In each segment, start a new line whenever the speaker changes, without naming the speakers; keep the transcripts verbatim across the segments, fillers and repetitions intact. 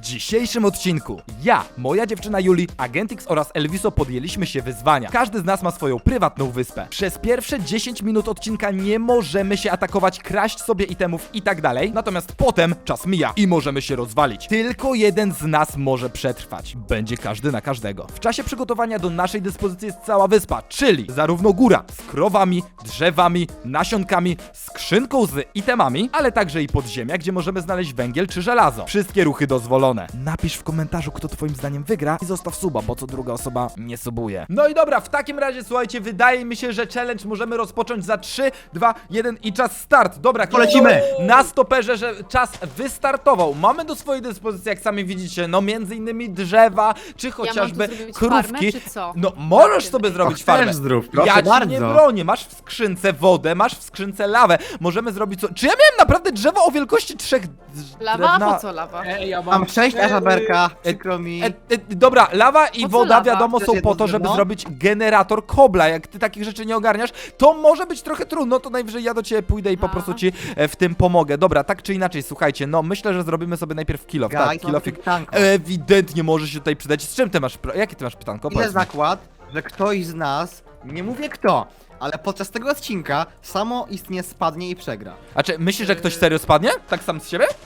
dzisiejszym odcinku ja, moja dziewczyna Juli, Agent X oraz Elviso podjęliśmy się wyzwania. Każdy z nas ma swoją prywatną wyspę. Przez pierwsze dziesięć minut odcinka nie możemy się atakować, kraść sobie itemów i tak dalej. Natomiast potem czas mija i możemy się rozwalić. Tylko jeden z nas może przetrwać. Będzie każdy na każdego. W czasie przygotowania do naszej dyspozycji jest cała wyspa, czyli zarówno góra z krowami, drzewami, nasionkami, skrzynką z itemami, ale także i podziemia, gdzie możemy znaleźć węgiel czy żelazo. Wszystkie ruchy dozwolone. Napisz w komentarzu, kto twoim zdaniem wygra i zostaw suba, bo co druga osoba nie subuje. No i dobra, w takim razie słuchajcie, wydaje mi się, że challenge możemy rozpocząć za trzy, dwa, jeden i czas start. Dobra,
Polecimy.
Na stoperze, że czas wystartował. Mamy do swojej dyspozycji, jak sami widzicie, no między innymi drzewa, czy chociażby
ja mam tu zrobić
krówki.
farmę, czy co?
No możesz sobie zrobić
Och,
farmę.
też zdrów, proszę
Ja ci
bardzo.
nie bronię, masz w skrzynce wodę, masz w skrzynce lawę. Możemy zrobić co? Czy ja miałem naprawdę drzewo o wielkości trzech drz-
Lawa?
drewna?
Po co lawa?
Ej, ja
Mam sześć, a żaberka,
E,
przykro mi.
E, e, dobra, lawa i
Po co
woda
lawa?
wiadomo
Też
są
jedno
po to, żeby
drewno?
zrobić generator kobla. Jak ty takich rzeczy nie ogarniasz, to może być trochę trudno, to najwyżej ja do ciebie pójdę i po
A.
prostu ci e, w tym pomogę. Dobra, tak czy inaczej, słuchajcie, no myślę, że zrobimy sobie najpierw kilof. Tak,
Guys, mam
kilofik
pytanko.
ewidentnie może się tutaj przydać. Z czym ty masz, pro- jakie ty masz pytanko?
Idę
Powiedz mi.
zakład, że ktoś z nas, nie mówię kto, ale podczas tego odcinka samo istnie spadnie i przegra.
A czy myślisz, że ktoś serio spadnie? Tak sam z siebie?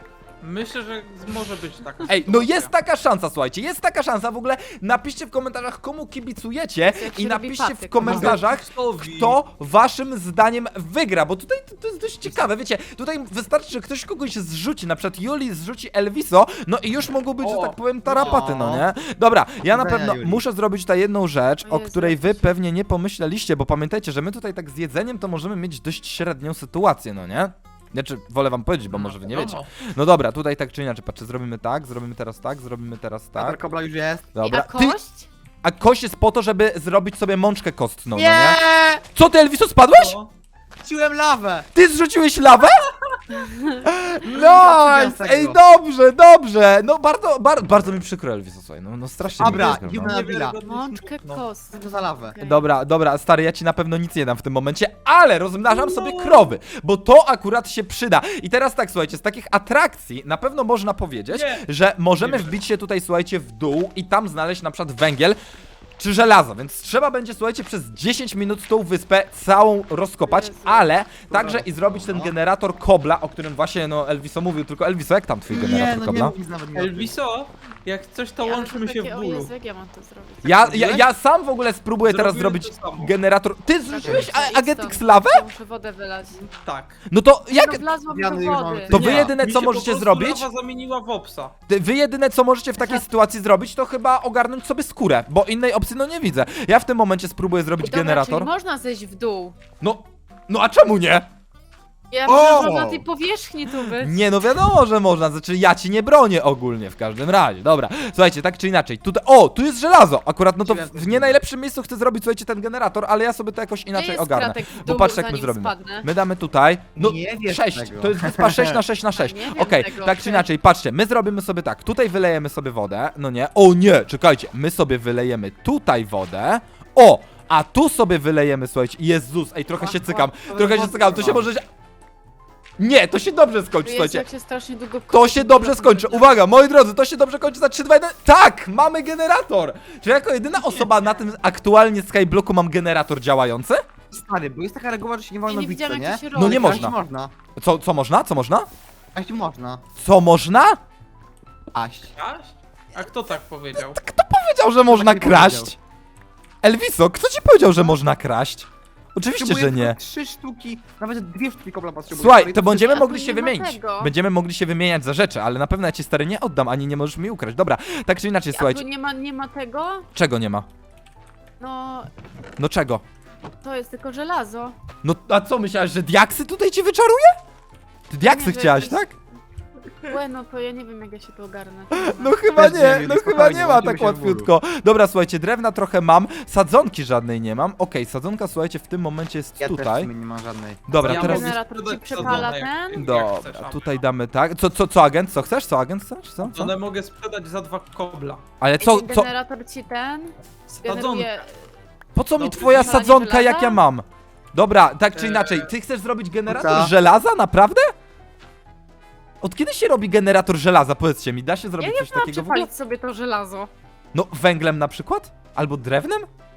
Myślę, że może być taka
Ej, no jest taka szansa, słuchajcie, jest taka szansa. W ogóle napiszcie w komentarzach, komu kibicujecie
jak
i
się robi
napiszcie w
patyk.
komentarzach,
Ksowi.
kto waszym zdaniem wygra, bo tutaj to, to jest dość ciekawe, wiecie, tutaj wystarczy, że ktoś kogoś zrzuci, na przykład Juli zrzuci Elviso, no i już mogą być, że
O,
tak powiem, tarapaty, no
no.
nie? Dobra, ja na
Dobra,
pewno
Juli.
muszę zrobić tutaj jedną rzecz,
O
o
Jezu,
której wy
jakiś-
pewnie nie pomyśleliście, bo pamiętajcie, że my tutaj tak z jedzeniem to możemy mieć dość średnią sytuację, no nie? Znaczy, wolę wam powiedzieć, bo może wy nie wiecie. No dobra, tutaj tak czy inaczej, patrzcie, zrobimy tak, zrobimy teraz tak, zrobimy teraz
Tak.
tak.
Kobla już jest.
Dobra,
A
ty,
kość?
a kość jest po to, żeby zrobić sobie mączkę kostną, no
Nie!
nie? Co ty, Elviso, spadłeś?
No.
Chciłem lawę!
Ty zrzuciłeś lawę?
Ja
Nice!
tego.
Ej, dobrze, dobrze! No bardzo, bar, bardzo mi przykro, Elviso, słuchaj, no, no strasznie
Dobra,
mi przykro, no.
Juna Willa.
Mączkę
No.
kost.
Co to za lawę?
Okej.
Dobra, dobra, stary, ja ci na pewno nic nie dam w tym momencie, ale rozmnażam sobie krowy, bo to akurat się przyda. I teraz tak, słuchajcie, z takich atrakcji na pewno można powiedzieć,
Nie.
że możemy
Nie
wbić się tutaj, słuchajcie, w dół i tam znaleźć na przykład węgiel czy żelazo, więc trzeba będzie, słuchajcie, przez dziesięć minut tą wyspę całą rozkopać,
Jezu.
ale także i zrobić ten generator kobla, o którym właśnie, no, Elviso mówił, tylko Elviso, jak tam twój
Nie,
generator
no nie
kobla?
mów nic nawet nie o tym.
Elviso, jak coś to
Ej, ale
łączmy
to
się
takie-
w
O
bólu.
Jezu, jak ja mam to zrobić?
Ja, ja, ja sam w ogóle spróbuję teraz
Zrobiłem
zrobić
to samo.
generator... Ty zrzuciłeś
Idź stąd.
Agent X lawę?
Ja muszę wodę wylać.
Tak.
No to jak...
No wlazłam
Ja
do
już mam-
wody.
To
Nie.
wy jedyne
Mi
co
się
możecie
po prostu
zrobić,
lawa zamieniła w opsa.
ty- wy jedyne co możecie w takiej sytuacji zrobić, to chyba ogarnąć sobie skórę, bo innej opcji no nie widzę. Ja w tym momencie spróbuję zrobić
Dobra,
generator.
czyli można zejść w dół.
No, no a czemu nie?
Ja
O!
myślę, że można na tej powierzchni tu być.
Nie, no wiadomo, że można, znaczy ja ci nie bronię ogólnie w każdym razie. Dobra, słuchajcie, tak czy inaczej, tutaj, o, tu jest żelazo, akurat no to w, w nie najlepszym miejscu chcę zrobić, słuchajcie, ten generator, ale ja sobie to jakoś inaczej
jest
ogarnę.
kratek w
Bo
dół,
patrz jak my
zanim
zrobimy.
spadnę?
My damy tutaj, no
Nie wiesz
sześć,
tego.
to jest wyspa sześć na sześć na sześć.
nie wiem
Okej,
tego,
tak czy
okej.
inaczej, patrzcie, my zrobimy sobie tak, tutaj wylejemy sobie wodę, no nie, o nie, czekajcie, my sobie wylejemy tutaj wodę, o, a tu sobie wylejemy, słuchajcie, Jezus, ej, trochę się cykam, trochę się cykam, to się może... Nie, to się dobrze skończy,
Jezu,
słuchajcie.
jak się strasznie długo
To
kończy,
się dobrze
to
skończy.
będzie.
Uwaga, moi drodzy, to się dobrze kończy za trzy, dwa, jeden. Tak! Mamy generator! Czy jako jedyna osoba na tym aktualnie Skyblocku mam generator działający?
Stary, bo jest taka reguła, że się nie
Ja
wolno
nie
bić, co
widziałam
nie?
jak to się
No
robi.
nie
Kraść
można.
można.
Co, co można? Co można?
Kraść można.
Co można?
Aść.
Aś? A kto tak powiedział?
Powiedział, że można
nie
kraść.
powiedział.
Elviso, kto ci powiedział, że można kraść? Oczywiście,
Potrzebuję
że nie.
tylko Trzy sztuki, nawet dwie sztuki kobla potrzebuję.
Słuchaj,
Stary,
to będziemy
a tu
mogli
nie
się
ma
wymienić.
tego.
Będziemy mogli się wymieniać za rzeczy, ale na pewno ja ci stary nie oddam, ani nie możesz mi ukraść. Dobra, tak czy inaczej,
A
słuchajcie.
tu nie ma, nie ma tego?
Czego nie ma?
No,
No czego?
to jest tylko żelazo.
No a co, myślałeś, że diaksy tutaj ci wyczaruje? Ty diaksy
Nie, że
chciałaś,
jakieś-
tak?
Łe, no to ja nie wiem jak ja się to ogarnę.
No chyba
Też nie
nie,
wiem,
no
spokojnie,
chyba nie ma
łączymy
tak
się w
łatwiutko. Dobra, słuchajcie, drewna trochę mam, sadzonki żadnej nie mam. Okej, sadzonka, słuchajcie, w tym momencie jest
Ja też w
tutaj.
sumie nie mam żadnej.
Dobra,
Ja
teraz...
mogę
Generator ci
sprzedać
przepala
sadzonę, jak-
ten?
jak
Dobra,
chcesz, a-
tutaj damy tak. Co, co, co agent? Co chcesz? Co agent chcesz? Co? co?
One mogę sprzedać za dwa kobla.
Ale
Co,
co, co,
generator ci ten
Sadzonkę.
generuje...
po co mi
Dobrze,
twoja
wypalanie
sadzonka, jak
żelaza?
ja mam? Dobra, tak czy
Eee,
inaczej, ty chcesz zrobić generator
co?
żelaza? Naprawdę? Od kiedy się robi generator żelaza? Powiedzcie mi, da się
Ja
zrobić
nie
coś
wiem,
takiego w ogóle?
przepalić sobie to żelazo.
No, węglem na przykład? Albo drewnem?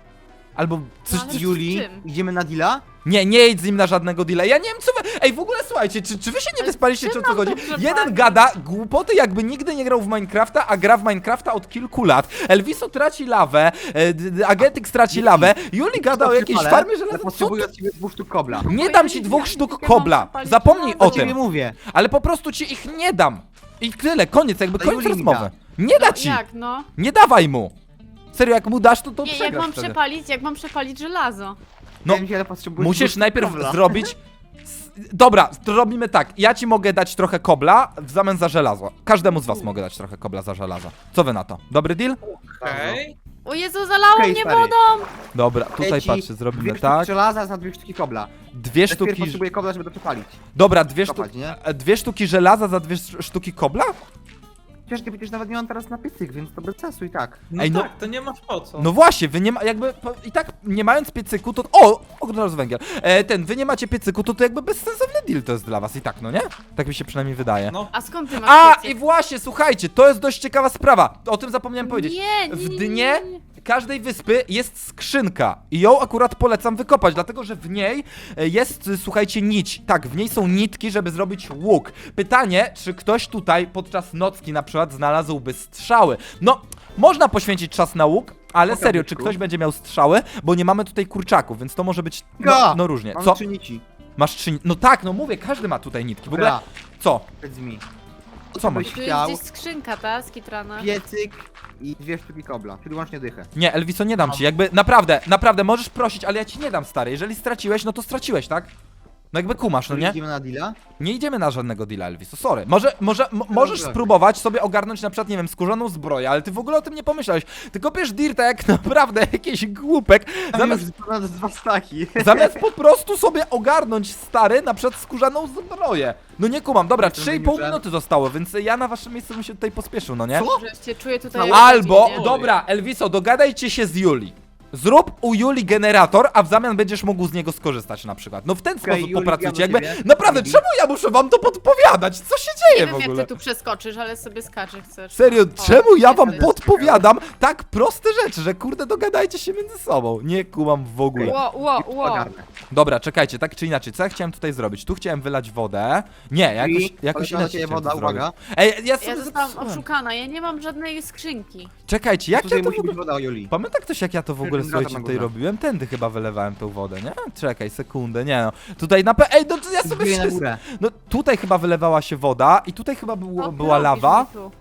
Albo coś...
Ale
coś...
Juli,
czym?
idziemy na deala?
Nie, nie idź z nim na żadnego deala. Ja nie wiem co wy... Ej, w ogóle słuchajcie, czy, czy wy się nie
Ale
wyspaliście, czy
czym
o co
mam
chodzi?
to przepalić?
Jeden gada głupoty, jakby nigdy nie grał w Minecrafta, a gra w Minecrafta od kilku lat. Elviso traci lawę, e, d- d- Agentix traci lawę, Juli gada o jakiejś
Ale
farmie
ja
żelaza. Co
potrzebuję
ty?
od ciebie dwóch sztuk kobla.
Nie
Bo
dam
ja
ci
nie
dwóch
wiem,
sztuk
jak ja mam
kobla.
przepalić
Zapomnij
żelazo.
o
To ciebie
tym.
mówię.
Ale po prostu ci ich nie dam. I tyle, koniec, jakby
To
koniec
Juli mi
rozmowy. Nie da
No,
ci.
jak no?
Nie dawaj mu. Serio, jak mu dasz, to to
Nie, jak
przegrasz
mam
wtedy.
przepalić, jak mam przepalić żelazo?
No,
Wiem, ale potrzebuję dwóch
Musisz
sztuk
najpierw
kobla.
zrobić... s- Dobra, to robimy tak. Ja ci mogę dać trochę kobla w zamian za żelazo. Każdemu z was mogę dać trochę kobla za żelazo. Co wy na to? Dobry deal?
Okej.
O Jezu, zalało
Okej,
mnie
stary.
wodą!
Dobra,
Daję
tutaj
ci
patrzcie,
Dwie
zrobimy
sztuki
tak.
żelaza za dwie sztuki kobla.
Dwie
Najpierw
sztuki...
potrzebuję kobla, żeby to przepalić.
Dobra, dwie,
Kopać,
sztu...
nie?
e, dwie sztuki żelaza za dwie sz- sztuki kobla?
Przecież ty przecież nawet nie mam teraz na piecyk, więc to bez sensu i tak.
No
Ej, no-
tak, to nie masz po co.
No właśnie, wy nie ma, jakby, po, i tak nie mając piecyku, to, o, od razu węgiel, e, ten, wy nie macie piecyku, to to jakby bezsensowny deal to jest dla was i tak, no nie? Tak mi się przynajmniej wydaje.
No.
A skąd ty masz
A,
piecyk?
i właśnie, słuchajcie, to jest dość ciekawa sprawa, o tym zapomniałem powiedzieć.
Nie, nie,
W
nie,
dnie
nie, nie.
każdej wyspy jest skrzynka i ją akurat polecam wykopać, dlatego że w niej e, jest, y, słuchajcie, nić. Tak, w niej są nitki, żeby zrobić łuk. Pytanie, czy ktoś tutaj podczas nocki na przykład znalazłby strzały? No, można poświęcić czas na łuk, ale
Pokaż,
serio, czy
Byczku.
ktoś będzie miał strzały? Bo nie mamy tutaj kurczaków, więc to może być, no,
Ga!
no różnie.
Mam
Co?
trzy nici.
Masz trzy... No tak, no mówię, każdy ma tutaj nitki. W ogóle,
Dobra,
co?
powiedz mi.
Co masz?
byś
Tu jest
chciał?
gdzieś skrzynka, ta, skitrana.
Piecyk i dwie sztuki kobla. Czyli łącznie dychę.
Nie, Elviso, nie dam ci, jakby, naprawdę, naprawdę, możesz prosić, ale ja ci nie dam, stary. Jeżeli straciłeś, no to straciłeś, tak? No jakby kumasz, no nie?
Idziemy na deala?
Nie idziemy na żadnego deala, Elviso, sorry. Może, może, mo, możesz
dobra.
spróbować sobie ogarnąć na przykład, nie wiem, skórzaną zbroję, ale ty w ogóle o tym nie pomyślałeś. Ty kopiesz dirta jak naprawdę jakiś głupek, zamiast,
Zamiast ponad dwa staki.
zamiast po prostu sobie ogarnąć, stary, na przykład skórzaną zbroję. No nie kumam, dobra,
To
trzy i pół
mówię, że-
minuty zostało, więc ja na waszym miejscu bym się tutaj pospieszył, no nie?
Co?
Że cię czuję tutaj
Cały-
jak
Albo,
dziwnie.
dobra, Elviso, dogadajcie się z Juli. Zrób u Juli generator, a w zamian będziesz mógł z niego skorzystać na przykład. No w ten
Okej,
sposób
Juli,
popracujcie.
ja do
Jakby,
ciebie.
naprawdę,
Juli.
czemu ja muszę wam to podpowiadać? Co się
Nie
dzieje
wiem
w
jak
ogóle?
ty tu przeskoczysz, ale sobie skaczesz chcesz.
Serio,
O,
czemu ja wam
jest.
podpowiadam tak proste rzeczy, że kurde dogadajcie się między sobą? Nie kumam w ogóle.
Ło, ło, ło.
Ogarnę.
Dobra, czekajcie, tak czy inaczej, co ja chciałem tutaj zrobić? Tu chciałem wylać wodę. Nie, jakoś,
I
jakoś
poleciała
inaczej
ciebie
chciałem
woda,
to zrobić.
uwaga.
Ej, ja sobie
Ja zostałam
zepsułem.
oszukana, ja nie mam żadnej skrzynki.
Czekajcie, jak
Tutaj
ja to w
musi być
ogóle...
woda o Juli.
Pamięta ktoś jak ja to w ogóle,
Generator
słuchajcie,
na
tutaj
górze.
robiłem? Tędy chyba wylewałem tą wodę, nie? Czekaj, sekundę, nie no. Tutaj na pe... Ej, no to ja sobie
Zbiję na
wszystko...
górę.
No tutaj chyba wylewała się woda i tutaj chyba było,
O,
była
robisz
lawa.
mi tu.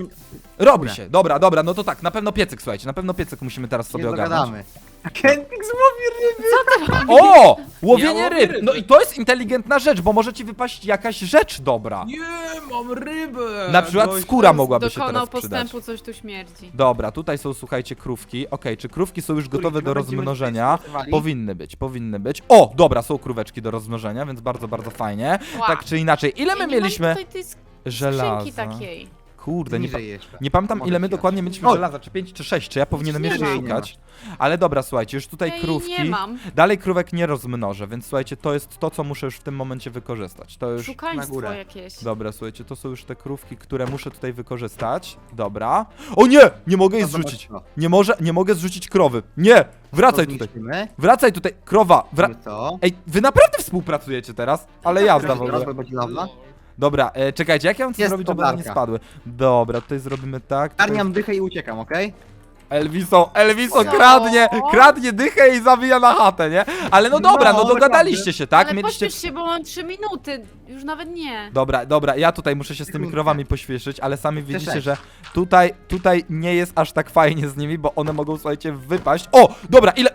Robi
Górę.
się, dobra, dobra, no to tak, na pewno piecyk, słuchajcie, na pewno piecyk musimy teraz
Nie
sobie ogarnąć.
dogadamy. Agentix złowi ryby.
O! Łowienie
Ja łowię
ryb!
ryby.
No i to jest inteligentna rzecz, bo może ci wypaść jakaś rzecz dobra.
Nie, mam rybę.
Na przykład
Gość-
skóra mogłaby się
Dokonał
teraz przydać.
postępu, coś tu śmierdzi.
Dobra, tutaj są, słuchajcie, krówki. Okej, czy krówki są już gotowe do
Będziemy
rozmnożenia?
stosowali.
Powinny być, powinny być. O, dobra, są króweczki do rozmnożenia, więc bardzo, bardzo fajnie.
Ła.
Tak czy inaczej, ile my
Ja nie mam
mieliśmy
tutaj tej sk-
żelaza?
skrzynki takiej.
Kurde, nie, pa
Niżej jeszcze.
nie pamiętam
Mogę
ile my
ci dać.
dokładnie mieliśmy
O!
żelaza, czy pięć, czy sześć, czy ja powinienem
Nie
jeszcze
mam.
szukać. Ale dobra, słuchajcie, już tutaj
Ja jej
krówki.
nie mam.
Dalej krówek nie rozmnożę, więc słuchajcie, to jest to, co muszę już w tym momencie wykorzystać. To już...
na
Szukaństwo
górę.
jakieś.
Dobra, słuchajcie, to są już te krówki, które muszę tutaj wykorzystać. Dobra. O nie! Nie mogę jej
No zobacz
zrzucić.
to.
Nie może, nie mogę zrzucić krowy. Nie! Wracaj tutaj.
Zniszczymy.
Wracaj tutaj, krowa. Wra...
Mamy to.
Ej, wy naprawdę współpracujecie teraz? Ale jazda w ogóle.
Teraz będzie lawa.
Dobra, e, czekajcie, jak ja mam to
Jest
zrobić, żeby one nie
podlarka.
spadły? Dobra, tutaj zrobimy tak. Tutaj...
Garniam dychę i uciekam, okej?
Elviso, Elviso
Co?
kradnie, kradnie dychę i zawija na chatę, nie? Ale no dobra, no
No,
dogadaliście się, tak?
Ale
Mieliście...
pośpiesz się, bo mam trzy minuty. Już nawet nie.
Dobra, dobra, ja tutaj muszę się z tymi
Sekundkę.
krowami pośpieszyć, ale sami widzicie,
sześć.
że tutaj, tutaj nie jest aż tak fajnie z nimi, bo one mogą, słuchajcie, wypaść. O, dobra, ile...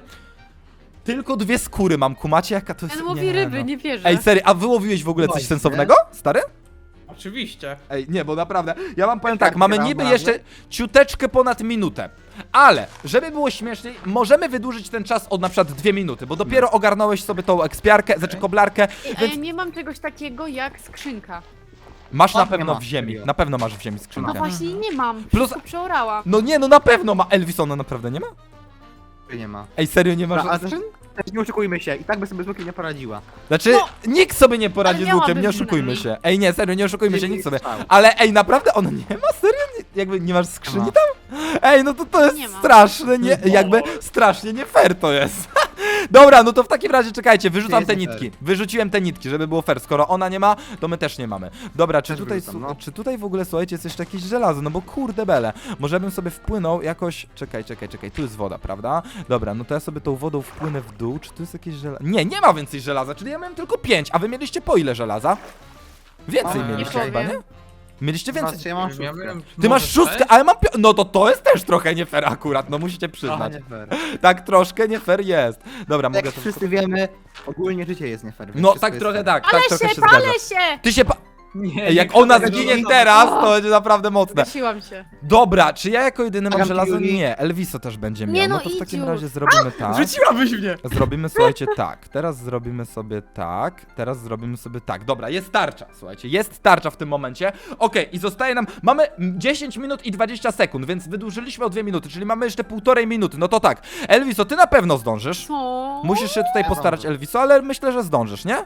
Tylko dwie skóry mam, kumacie jaka to jest...
Ten łowi
Nie,
ryby,
no.
nie wierzę.
Ej, serio, a wyłowiłeś w ogóle coś
Właśnie.
sensownego, stary?
Oczywiście.
Ej, nie, bo naprawdę, ja wam powiem
Tak,
tak, mamy
gram
niby
razem.
jeszcze ciuteczkę ponad minutę, ale, żeby było śmieszniej, możemy wydłużyć ten czas od na przykład dwie minuty, bo dopiero ogarnąłeś sobie tą ekspiarkę, znaczy koblarkę,
Ej, a
więc
ja nie mam czegoś takiego jak skrzynka.
masz na
O, nie
pewno
ma,
w ziemi,
serio.
na pewno masz w ziemi
No
skrzynkę.
właśnie nie mam.
Plus-
Wszystko przeorałam.
No nie, no na pewno ma, Elvis, ona naprawdę nie ma?
Nie ma.
Ej, serio nie masz
Dobra, ale
skrzyn?
też Też nie oszukujmy się, i tak by sobie zwykle nie poradziła.
Znaczy, nikt sobie nie poradzi
ale
z łukiem,
miałaby
nie oszukujmy
przynajmniej.
się. Ej, nie, serio, nie oszukujmy się, nikt sobie.
Strzał.
Ale ej, naprawdę on nie ma? Serio? Nie, jakby nie masz skrzyni
ma.
tam? Ej, no to to jest
Nie ma.
straszne, nie, jakby strasznie nie fair to jest. Dobra, no to w takim razie czekajcie, wyrzucam
jest
te
nie
nitki. Wyrzuciłem te nitki, żeby było fair. Skoro ona nie ma, to my też nie mamy. Dobra, czy
Też
tutaj,
wyrzucam,
su-
no.
czy tutaj w ogóle, słuchajcie, jest jeszcze jakieś żelazo? No bo kurde bele. Może bym sobie wpłynął jakoś... Czekaj, czekaj, czekaj, tu jest woda, prawda? Dobra, no to ja sobie tą wodą wpłynę w dół. Czy tu jest jakieś żelazo? Nie, nie ma więcej żelaza, czyli ja miałem tylko pięć, a wy mieliście po ile żelaza? Więcej
A,
mieliście
nie
chyba, nie?
powiem.
Mieliście więcej.
Znaczy, ja mam
Ja
szóstkę.
miałem-
Ty masz
może
szóstkę,
sześć?
ale mam pio- No to to jest też trochę nie fair akurat, no musicie
Aha,
przyznać.
nie fair.
Tak troszkę nie fair jest. Dobra,
Jak
mogę to...
wszyscy wiemy, ogólnie życie jest nie fair. więc
No
wszystko
tak
jest
trochę
fair.
tak,
Ale
tak trochę
się,
się zgadza.
palę się!
Ty się pa...
Nie,
Ej, jak
nie
ona
chcę tego
zginie
żelaza.
teraz, to będzie naprawdę mocne.
Zgasiłam się.
Dobra, czy ja jako jedyny mam
Agam
żelazo?
Yuli.
Nie, Elviso też będzie miał.
Nie,
No
no
to w
idź
takim
już.
razie zrobimy tak.
Rzuciłabyś mnie!
Zrobimy, słuchajcie, tak. Teraz zrobimy sobie tak. Teraz zrobimy sobie tak. Dobra, jest tarcza, słuchajcie. Jest tarcza w tym momencie. Okej, i zostaje nam... Mamy dziesięć minut i dwadzieścia sekund, więc wydłużyliśmy o dwie minuty, czyli mamy jeszcze półtorej minuty. No to tak. Elviso, ty na pewno zdążysz.
Co?
Musisz się tutaj
Ja
postarać,
zdążę.
Elviso, ale myślę, że zdążysz, nie?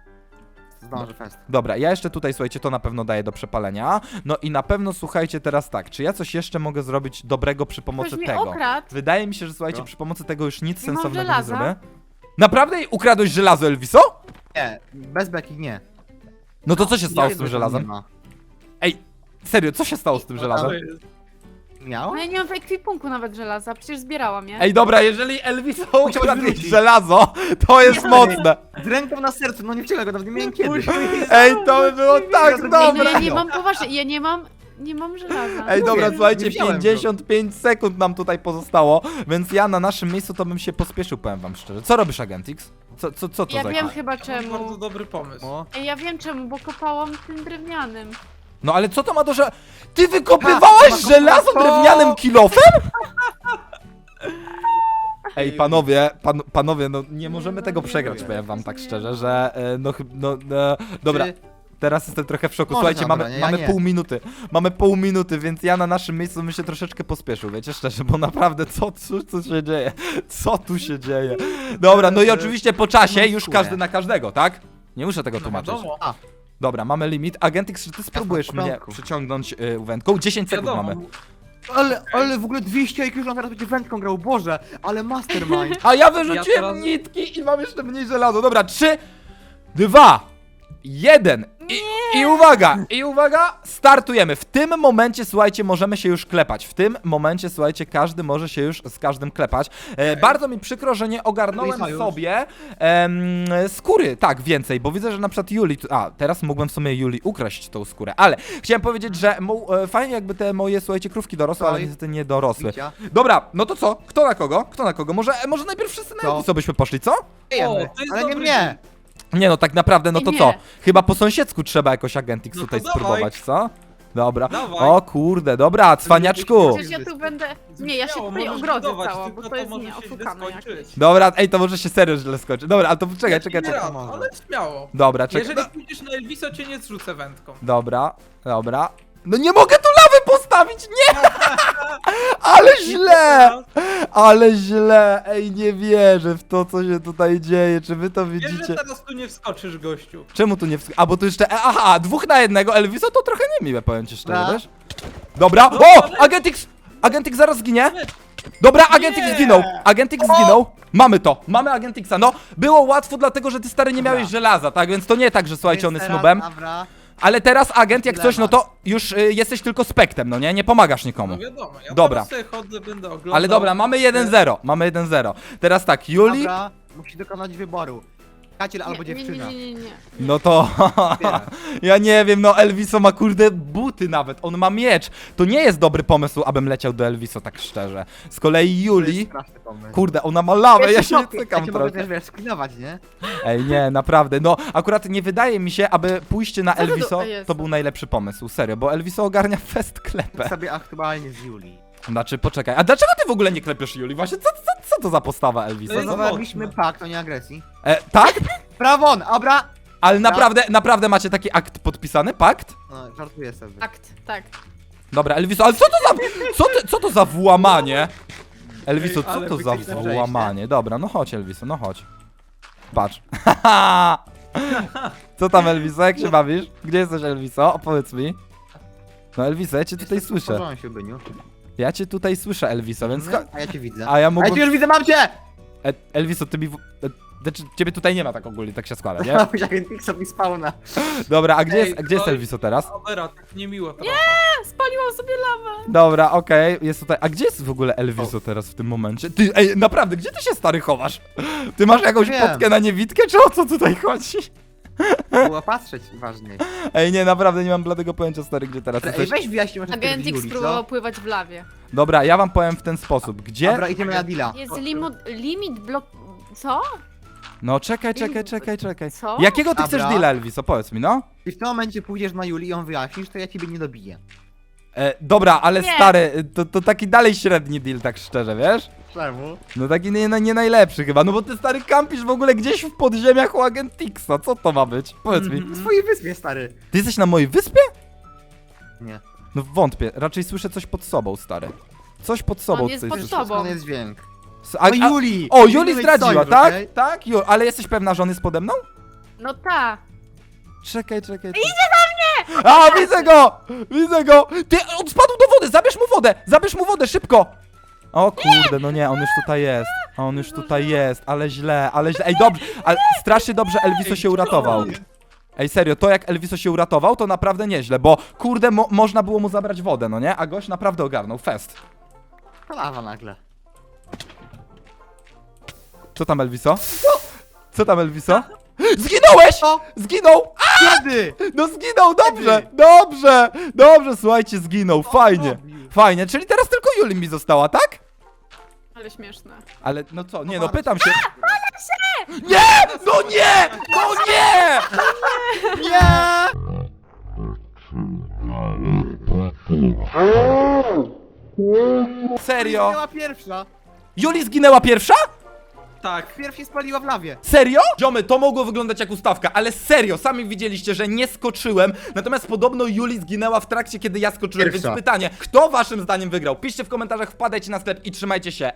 Zdążę fest.
Dobra, ja jeszcze tutaj, słuchajcie, to na pewno daję do przepalenia. No i na pewno, słuchajcie, teraz tak. Czy ja coś jeszcze mogę zrobić dobrego przy pomocy
Ktoś mnie
tego?
okradł.
Wydaje mi się, że słuchajcie,
Co?
przy pomocy tego już nic
Nie mam
sensownego nie
żelaza.
zrobię. Naprawdę ukradłeś żelazo, Elviso?
Nie, bez beki nie.
No to co się stało
Ja
z tym
wiem, że
żelazem?
nie ma.
Ej, serio, co się stało z tym żelazem?
To jest-
Miał?
No ja nie mam w ekwipunku nawet żelaza, przecież zbierałam je.
Ej, dobra, jeżeli Elviso
Musiałeś
ukradłeś
wrócić.
żelazo, to jest mocne.
Z ręką na sercu, no nie wcielę go, nawet nie miałem kiedy.
Ej, to by było tak
Ej, no ja
dobre.
nie mam, poważnie, ja nie mam, nie mam żelaza.
Ej, dobra,
Mówię,
słuchajcie,
nie wziąłem go.
pięćdziesiąt pięć sekund nam tutaj pozostało, więc ja na naszym miejscu to bym się pospieszył, powiem wam szczerze. Co robisz, Agentix? Co, co, co to
Ja
za...
wiem chyba
To jest bardzo
czemu.
dobry pomysł.
O,
Ej, ja wiem czemu, bo kopałam tym drewnianym.
No ale co to ma do że... Ty wykopywałaś
Ha,
żelazo
to-
drewnianym kilofem? Ej, panowie, pan, panowie, no nie możemy tego przegrać, powiem wam tak szczerze, że e, no chyba, no, no, dobra,
Czy-
teraz jestem trochę w szoku,
Może
słuchajcie,
dobra,
mamy,
nie, ja
mamy
nie.
pół minuty, mamy pół minuty, więc ja na naszym miejscu bym się troszeczkę pospieszył, wiecie, szczerze, bo naprawdę, co, co, co się dzieje, co tu się dzieje? Dobra, no i oczywiście po czasie
Mam
już
skórę.
każdy na każdego, tak? Nie muszę tego
No
tłumaczyć.
wiadomo.
Dobra, mamy limit. Agentix, czy ty spróbujesz
w
mnie
porządku.
przyciągnąć y, wędką? dziesięć sekund
Wiadomo.
mamy.
Ale, ale w ogóle dwieście I Q, że on teraz będzie wędką grał, Boże, ale mastermind.
A ja wyrzuciłem
Ja teraz-
nitki i mam jeszcze mniej żelazo. Dobra, trzy, dwa, jeden. I, I uwaga, i uwaga, startujemy. W tym momencie, słuchajcie, możemy się już klepać. W tym momencie, słuchajcie, każdy może się już z każdym klepać. E, bardzo mi przykro, że nie ogarnąłem
Sojusz.
sobie em, skóry, tak, więcej, bo widzę, że na przykład Juli, tu- a, teraz mógłbym w sumie Juli ukraść tą skórę, ale chciałem powiedzieć, że mu, e, fajnie jakby te moje, słuchajcie, krówki dorosły, ale
Oj.
niestety nie dorosły.
Bicia.
Dobra, no to co? Kto na kogo? Kto na kogo? Może, może najpierw wszyscy na
Co?
co byśmy poszli, co?
Wiemy,
O, to jest
ale nie
dobry
mnie.
Nie no, tak naprawdę, no to
Nie.
co? Chyba po sąsiedzku trzeba jakoś Agentix
No to
tutaj
dawaj.
spróbować, co? Dobra.
Dawaj.
O kurde, dobra, cwaniaczku.
Przecież ja tu będę... Nie, ja się
Śmiało,
tutaj
możesz
ogrodzę
budować,
całą,
tylko
bo to jest
może
nie
się źle
oszukane
skończyć.
jakieś.
Dobra, ej, to może się serio źle skończy. Dobra, ale to czekaj,
Nie
czekaj, czekaj.
raz,
może.
ale śmiało.
Dobra, czekaj.
Jeżeli pójdziesz na Elviso, cię nie zrzucę wędką.
Dobra, dobra. No nie mogę tu lawy postawić, nie! Ale źle! Ale źle! Ej, nie wierzę w to, co się tutaj dzieje. Czy wy to
Wiesz, że
widzicie?
teraz tu nie wskoczysz, gościu.
Czemu tu nie wsk- A, bo tu jeszcze... e, Aha, dwóch na jednego Elviso to trochę niemiłe, powiem ci szczerze,
Dobra.
wiesz? Dobra,
No,
o!
ale-
Agentix! Agentix zaraz zginie! Dobra, Agentix
Nie!
zginął! Agentix zginął! Mamy to! Mamy Agentixa, no! Było łatwo, dlatego że ty stary nie
Dobra.
miałeś żelaza, tak? Więc to nie tak, że słuchajcie, on
Więc
jest
teraz,
nubem.
Dobra.
Ale teraz agent, jak coś, no
Dylemat.
to już y, jesteś tylko spektem, no nie? Nie pomagasz nikomu.
No wiadomo, ja
Dobra.
teraz sobie chodzę, będę oglądał.
Ale dobra, mamy jeden zero. Mamy jeden zero. Teraz tak, Juli...
Dobra, musi dokonać wyboru. Kaciel albo
Nie, nie,
dziewczyna.
nie, nie, nie, nie.
No to...
Wybieraj.
Ja nie wiem, no Elviso ma kurde buty nawet, on ma miecz. To nie jest dobry pomysł, abym leciał do Elviso, tak szczerze. Z kolei
To jest
Juli...
straszny pomysł.
Kurde, ona ma lawę, ja się nie
Ja
cykam
cię mogę
trochę.
też, wiesz, sklinować, nie?
Ej, nie, naprawdę, no akurat nie wydaje mi się, aby pójście na
Co to do-
Elviso
jest?
to był najlepszy pomysł, serio, bo Elviso ogarnia fest klepę.
sobie aktualnie z Julii.
Znaczy, poczekaj, a dlaczego ty w ogóle nie klepiesz Juli? Właśnie, co, co, co to za postawa Elviso?
To jest
No,
Zawarliśmy
mocne.
pakt o nieagresji.
e, tak?
Prawon, abra!
Ale naprawdę, naprawdę macie taki akt podpisany, pakt?
No, żartuję sobie.
Akt, tak.
Dobra, Elviso, ale co to za, co, ty, co to za włamanie? Elviso,
Ej,
co
ale
to za
wyciekłe przejście.
włamanie? Dobra, no chodź Elviso, no chodź. Patrz. Co tam Elviso, jak się bawisz? Gdzie jesteś Elviso? Opowiedz mi. No Elviso, ja cię tutaj
Jestem w
słyszę.
porządku, Byniu.
Ja cię tutaj słyszę Elviso, więc... cho-
A ja cię widzę.
A ja
A
mógłbym...
ja cię już widzę, mam cię!
E, Elviso, ty mi... w- e, Znaczy, ciebie tutaj nie ma tak ogólnie, tak się składa, nie?
Miałeś Agentixa mi spawna.
Dobra, a gdzie
Ej,
jest, a gdzie jest
to-
Elviso teraz?
Dobra, tak niemiło trochę.
Spaliłam sobie lawę.
Dobra, okej, jest tutaj. A gdzie jest w ogóle Elviso teraz w tym momencie? Ty, ej, naprawdę, gdzie ty się stary chowasz? Ty masz jakąś
Wiem.
potkę na niewidkę, czy o co tutaj chodzi?
Było patrzeć ważniej.
Ej, nie, naprawdę nie mam bladego pojęcia, stary, gdzie teraz
Ej,
jesteś.
weź wyjaśnij może
Agentix
Juli,
spróbował
co?
pływać w lawie.
Dobra, ja wam powiem w ten sposób. Gdzie?
Dobra, idziemy na deala.
Jest limit, limit blok... Co?
No czekaj, czekaj, czekaj, czekaj.
Co?
Jakiego ty
Dobra.
chcesz deala, Elviso? Powiedz mi, no.
I w tym momencie pójdziesz na Juli i ją wyjaśnisz, to ja ciebie nie dobiję.
E, dobra, ale
Nie.
stary, to, to taki dalej średni deal, tak szczerze, wiesz?
Czemu?
No taki nie, nie najlepszy chyba, no bo ty stary kampisz w ogóle gdzieś w podziemiach u Agentixa, co to ma być? Powiedz mi.
Na swojej wyspie, stary.
Ty jesteś na mojej wyspie?
Nie.
No wątpię, raczej słyszę coś pod sobą, stary. Coś pod sobą
On jest
coś
pod
słyszę.
sobą.
Skąd jest dźwięk?
S- A,
No
a,
Juli!
o,
Nie
Juli
mieć
zdradziła,
sojusz,
tak?
okej?
Tak? Ju, ale jesteś pewna, że on jest pode mną?
No ta.
Czekaj, czekaj. Idzie do mnie! A, widzę go! Widzę go! Ty, on spadł do wody, zabierz mu wodę! Zabierz mu wodę, szybko! O kurde, no nie, on już tutaj jest. On już tutaj jest, ale źle, ale źle. Ej, dobrze, ale strasznie dobrze Elviso się uratował. Ej, serio, to jak Elviso się uratował, to naprawdę nieźle, bo kurde, mo można było mu zabrać wodę, no nie? A gość naprawdę ogarnął, fest.
To lawa nagle.
Co tam, Elviso? Co tam, Elviso? Zginąłeś!
Co?
Zginął!
Kiedy?
No zginął, dobrze, dobrze, dobrze, słuchajcie, zginął, fajnie,
robił?
fajnie, czyli teraz tylko Juli mi została, tak?
Ale śmieszne.
Ale no co, nie no, pytam się. Nie! No nie! No nie!
Nie!
Serio?
Była pierwsza.
Juli zginęła pierwsza?
Tak.
Pierw się spaliła w lawie.
Serio? Ziomy, to mogło wyglądać jak ustawka, ale serio, sami widzieliście, że nie skoczyłem, natomiast podobno Juli zginęła w trakcie, kiedy ja skoczyłem,
Pierwsza.
więc pytanie, kto waszym zdaniem wygrał? Piszcie w komentarzach, wpadajcie na sklep i trzymajcie się.